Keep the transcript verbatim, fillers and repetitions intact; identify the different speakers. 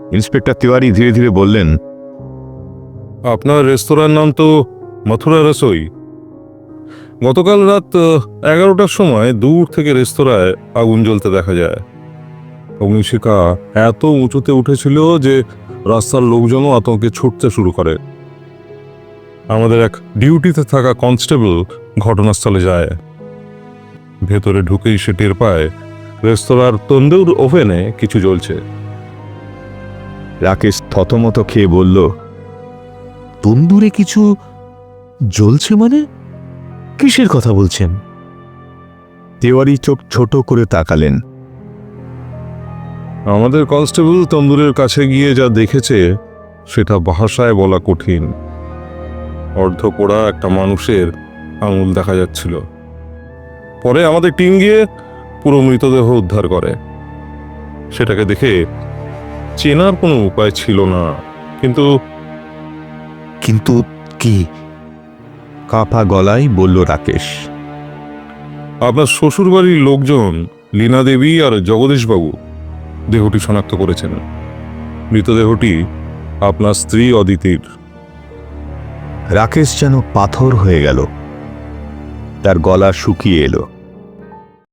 Speaker 1: Inspector Tiwari ধীরে ধীরে বললেন,
Speaker 2: আপনার রেস্তোরাঁর নাম তো মথুরা রসোই। গতকাল রাত এগারোটার সময় দূর থেকে রেস্তোরাঁয় আগুন জ্বলতে দেখা যায়। অগ্নিশিখা এত উঁচুতে উঠেছিল যে রাস্তার লোকজনও আতঙ্কে ছুটতে শুরু করে। আমাদের এক ডিউটিতে থাকা কনস্টেবল ঘটনাস্থলে যায়। ভেতরে ঢুকেই সে টের পায় রেস্তোরাঁর তন্দুর ওভেনে কিছু জ্বলছে।
Speaker 1: রাকেশ থতমত খেয়ে বলল,
Speaker 3: তন্দুরে কিছু জ্বলছে মানে? কিসের কথা বলছেন?
Speaker 1: তিওয়ারি চোখ ছোট করে তাকালেন।
Speaker 2: আমাদের কনস্টেবল তন্দুরের কাছে গিয়ে যা দেখেছে সেটা ভাষায় বলা কঠিন। অর্ধপোড়া একটা মানুষের আঙুল দেখা যাচ্ছিল। পরে আমাদের টিম গিয়ে পুরো মৃতদেহ উদ্ধার করে। সেটাকে দেখে চেনার কোনো উপায় ছিল না, কিন্তু
Speaker 3: কিন্তু কি?
Speaker 1: কাঁপা গলায় বলল রাকেশ।
Speaker 2: আপনার শ্বশুরবাড়ির লোকজন লীনা দেবী আর জগদীশবাবু দেহটি শনাক্ত করেছেন। মৃতদেহটি আপনার স্ত্রী অদিতির।
Speaker 1: রাকেশ যেন পাথর হয়ে গেল, তার গলা শুকিয়ে এলো।